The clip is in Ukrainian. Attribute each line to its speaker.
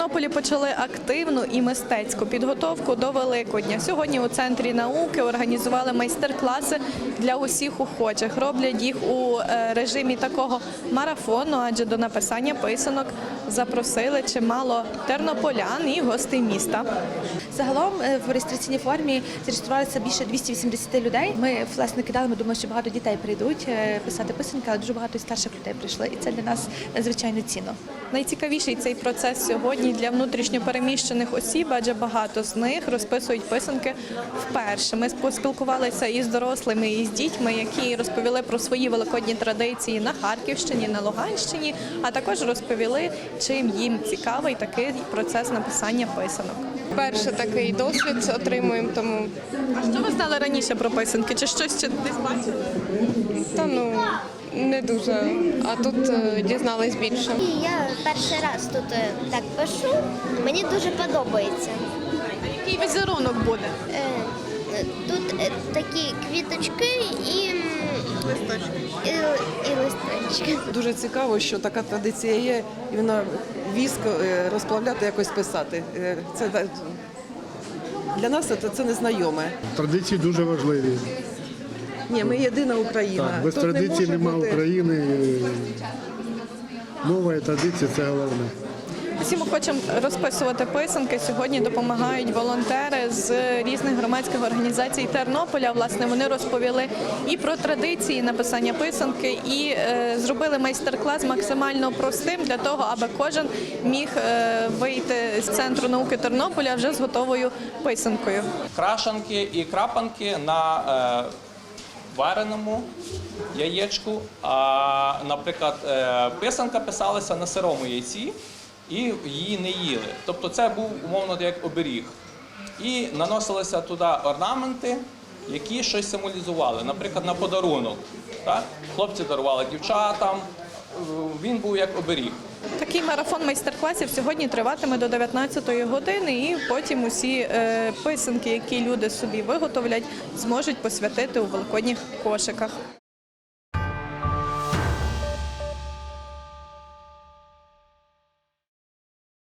Speaker 1: Тернополі почали активну і мистецьку підготовку до Великодня. Сьогодні у Центрі науки організували майстер-класи для усіх охочих. Роблять їх у режимі такого марафону, адже до написання писанок запросили чимало тернополян і гостей міста.
Speaker 2: Загалом в реєстраційній формі зареєструвалося більше 280 людей. Ми, власне, кидали, ми думали, що багато дітей прийдуть писати писанки, але дуже багато і старших людей прийшли, і це для нас надзвичайно цінно.
Speaker 1: Найцікавіший цей процес сьогодні для внутрішньопереміщених осіб, адже багато з них розписують писанки вперше. Ми поспілкувалися із дорослими, і з дітьми, які розповіли про свої великодні традиції на Харківщині, на Луганщині, а також розповіли, чим їм цікавий такий процес написання писанок.
Speaker 3: Перший такий досвід отримуємо, тому
Speaker 1: А що ви знали раніше про писанки? Чи щось ще десь бачили?
Speaker 3: не дуже, а тут дізнались більше.
Speaker 4: Я перший раз тут так пишу, мені дуже подобається.
Speaker 1: А який візерунок буде?
Speaker 4: Тут такі квіточки і листочки.
Speaker 5: Дуже цікаво, що така традиція є, і вона віск розплавляти, якось писати. Це для нас це незнайоме.
Speaker 6: Традиції дуже важливі.
Speaker 5: Ні, ми єдина Україна.
Speaker 6: Так, без
Speaker 5: Тут не
Speaker 6: традиції
Speaker 5: може
Speaker 6: немає
Speaker 5: бути.
Speaker 6: України. Мова і традиція – це головне.
Speaker 1: Всім охочим розписувати писанки сьогодні допомагають волонтери з різних громадських організацій Тернополя. Власне, вони розповіли і про традиції написання писанки, і зробили майстер-клас максимально простим для того, аби кожен міг вийти з Центру науки Тернополя вже з готовою писанкою.
Speaker 7: Крашанки і крапанки на вареному яєчку, а, наприклад, писанка писалася на сирому яйці і її не їли. Тобто це був умовно як оберіг. І наносилися туди орнаменти, які щось символізували, наприклад, на подарунок. Так? Хлопці дарували дівчатам, він був як оберіг.
Speaker 1: Такий марафон майстер-класів сьогодні триватиме до 19-ї години, і потім усі писанки, які люди собі виготовлять, зможуть посвятити у великодніх кошиках.